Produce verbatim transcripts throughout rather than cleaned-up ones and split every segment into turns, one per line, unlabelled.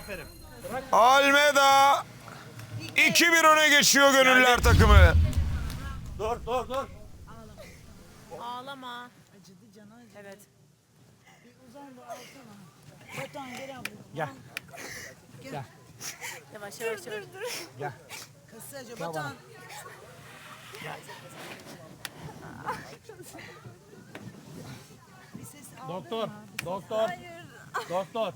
Almeda iki bir öne geçiyor Gönüller takımı.
Dur dur dur.
Ağlama. Acıdı canı acıdı. Evet. Bir uzan da alsana. Batuhan gel abla.
Gel. Gel.
Yavaş yavaş yavaş.
Gel.
Kısaca Batuhan.
Doktor. Doktor. Doktor.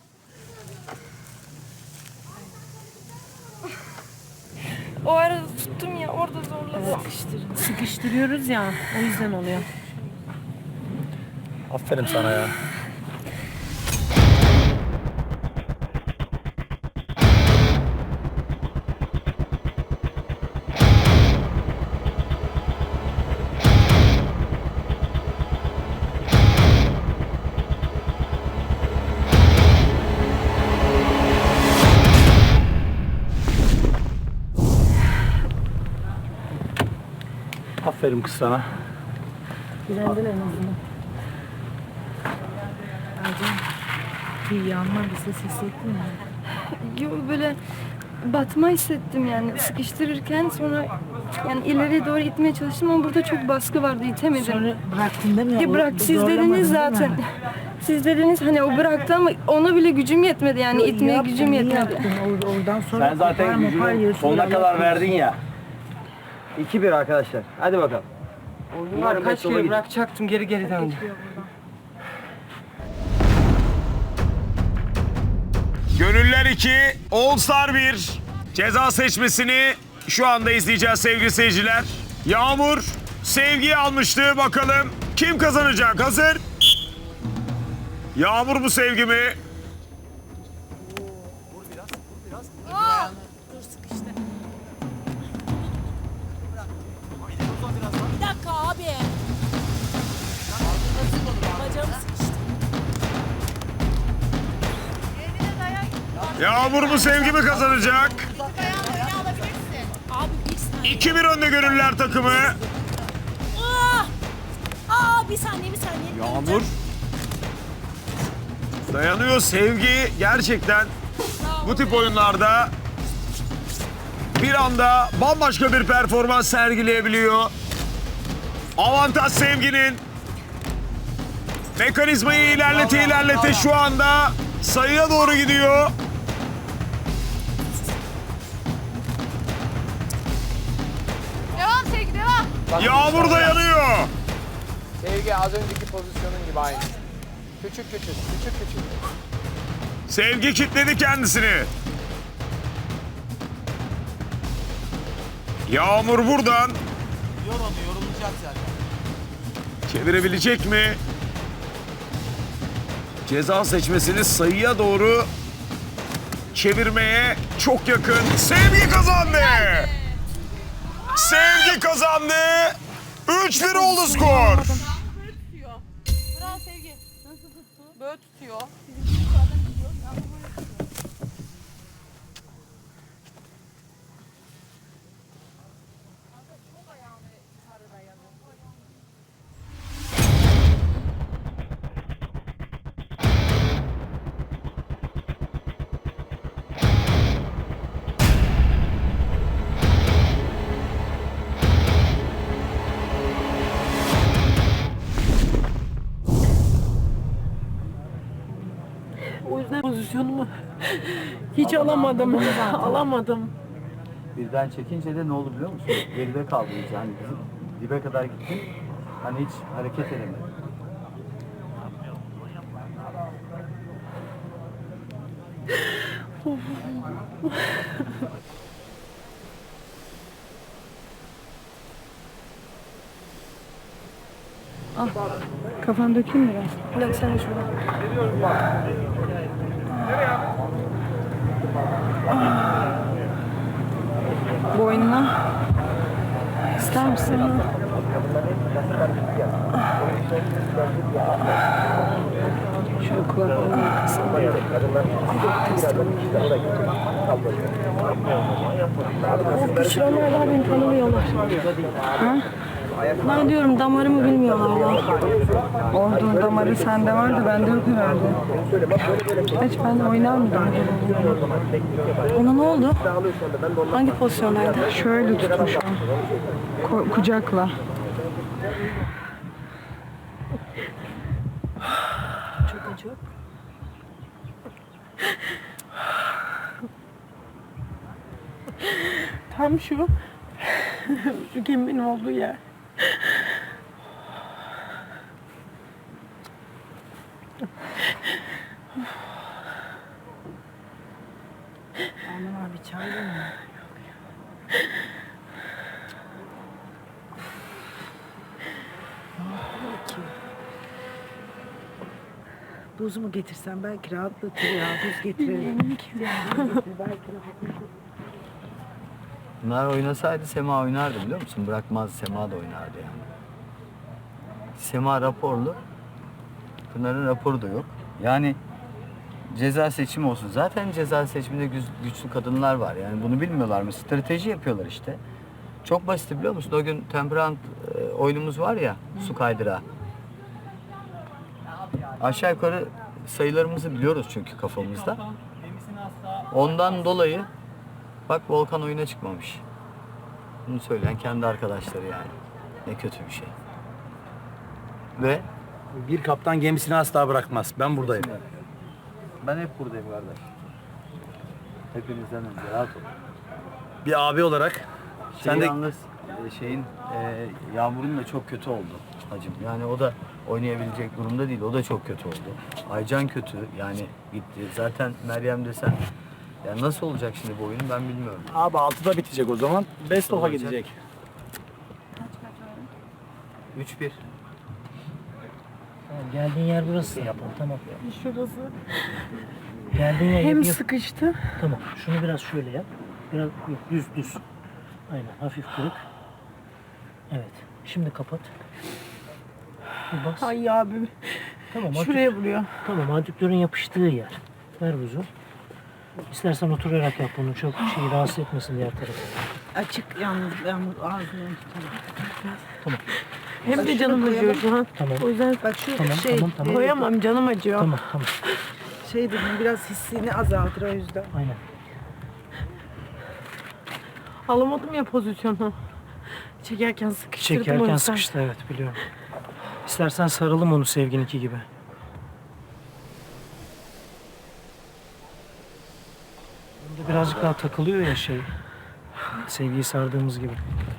O arada tuttum ya, orada zorla sıkıştırdım.
Sıkıştırıyoruz ya. O yüzden oluyor.
Aferin sana ya. Aferin kız sana.
Direndin en azından. Acı. Bir yanma bir ses hissettin mi?
Yo, böyle batma hissettim yani sıkıştırırken, sonra yani ileriye doğru itmeye çalıştım ama burada çok baskı vardı, itemedim.
Sonra bıraktın değil mi?
Ya
O-
bırak, siz
zorlamadın
dediniz
değil mi?
zaten. Siz dediniz hani o bıraktı ama ona bile gücüm yetmedi yani,
Yo,
itmeye
yaptın,
gücüm
iyi
yetmedi.
yaptın. Or- Oradan sonra
Sen zaten
kopar mopar
gücünü
yiyorsun,
sonuna
Allah
kadar
korusun.
verdin ya. iki bir arkadaşlar. Hadi bakalım. Umarım
Kaç kere bırakacaktım, geri geri döndüm.
Gönüller iki, All Star bir. Ceza seçmesini şu anda izleyeceğiz sevgili seyirciler. Yağmur Sevgi'yi almıştı. Bakalım kim kazanacak? Hazır. Yağmur mu Sevgi mi?
Dur sıkıştı. Bir dakika abi. Bacağım sıkıştı.
Yağmur mu Sevgi mi kazanacak?
Abi bir saniye.
iki bir önde Gönüller takımı.
Aa! Aa bir saniye bir saniye.
Yağmur dayanıyor. Sevgi gerçekten bu tip oyunlarda bir anda bambaşka bir performans sergileyebiliyor. Avantaj Sevgi'nin. Mekanizmayı ilerlete ilerlete şu anda sayıya doğru gidiyor.
Devam Sevgi devam.
Yağmur dayanıyor.
Sevgi az önceki pozisyonun gibi aynı. Küçük küçük, küçük küçük.
Sevgi kilitledi kendisini. Yağmur buradan
Yor onu, yorulacak zaten.
çevirebilecek mi? Ceza seçmesini sayıya doğru çevirmeye çok yakın. Sevgi kazandı. Sevgi kazandı. üç bir oldu skor.
Bravo Sevgi. Nasıl tuttu? Böyle tutuyor.
O yüzden pozisyonumu hiç alamadım. Alamadım.
Birden çekince de ne oldu biliyor musun? Geride kaldı iyice. Hani bizim dibe kadar gittin. Hani hiç hareket edemedi.
Kafan dökeyim biraz. Yok, sen de şurada. Boynuna. İster misin? Şöyle kulaklarını kısın. O güçlü onlar daha beni tanımıyorlar. Ha?
Ben diyorum damarımı bilmiyorlar ya.
Olduğun damarı sende vardı, bende yok herhalde. Hiç ben de oynar mıydım?
Ona ne oldu? Hangi pozisyondaydı?
Şöyle tutmuş o. Ko- kucakla.
Çok acı.
Tam şu. Şu geminin olduğu yer.
Anam abi çay mı?
Buz mu getirsem belki rahatlatır ya. Buz getirelim.
Bunlar oynasaydı Sema oynardı biliyor musun? Bırakmaz, Sema da oynardı yani. Sema raporlu. Pınar'ın raporu da yok. Yani ceza seçimi olsun. Zaten ceza seçiminde güç- güçlü kadınlar var. Yani bunu bilmiyorlar mı? Strateji yapıyorlar işte. Çok basit biliyor musun? O gün temperament e, oyunumuz var ya, su kaydırağı. Aşağı yukarı sayılarımızı biliyoruz çünkü kafamızda. Ondan dolayı bak Volkan oyuna çıkmamış. Bunu söyleyen kendi arkadaşları yani. Ne kötü bir şey. Ve
Bir kaptan gemisini asla bırakmaz. Ben buradayım.
ben hep buradayım kardeş. Hepinizden önce rahat ol.
Bir abi olarak
Şey
sen de
yalnız e, şeyin e, Yağmur'un da çok kötü oldu hacım. Yani o da oynayabilecek durumda değil. O da çok kötü oldu. Aycan kötü. Yani gitti. Zaten Meryem desen ya nasıl olacak şimdi bu oyun ben bilmiyorum.
abi altıda bitecek o zaman. Best of'a
Olacak.
gidecek.
üç bir.
Geldiğin yer burası yapalım tamam.
Şurası.
Geldiğin yer
Hem
yap, yap.
sıkıştı.
Tamam. Şunu biraz şöyle yap. Biraz yok, düz düz. Aynen hafif kırık. Evet. Şimdi kapat. Bir bas.
Ay abi.
Tamam.
Şuraya
adük-
vuruyor.
Tamam. Adüktörün yapıştığı yer. Ver buzu. İstersen oturarak yap bunu. Çok şey rahatsız etmesin diğer tarafı.
Açık yalnız ben bu ağzını
Tamam.
Hem de canım acıyor şu an.
Tamam.
O yüzden bak şu
Tamam,
şey
tamam, tamam.
koyamam canım acıyor.
Tamam tamam.
Şey dedim biraz hissini azaltır o yüzden.
Aynen.
Alamadım ya pozisyonu. Çekerken sıkıştırdım o
Çekerken
yüzden.
sıkıştı evet biliyorum. İstersen saralım onu Sevgin'inki gibi. Bunda birazcık daha takılıyor ya şey. Sevgiyi sardığımız gibi.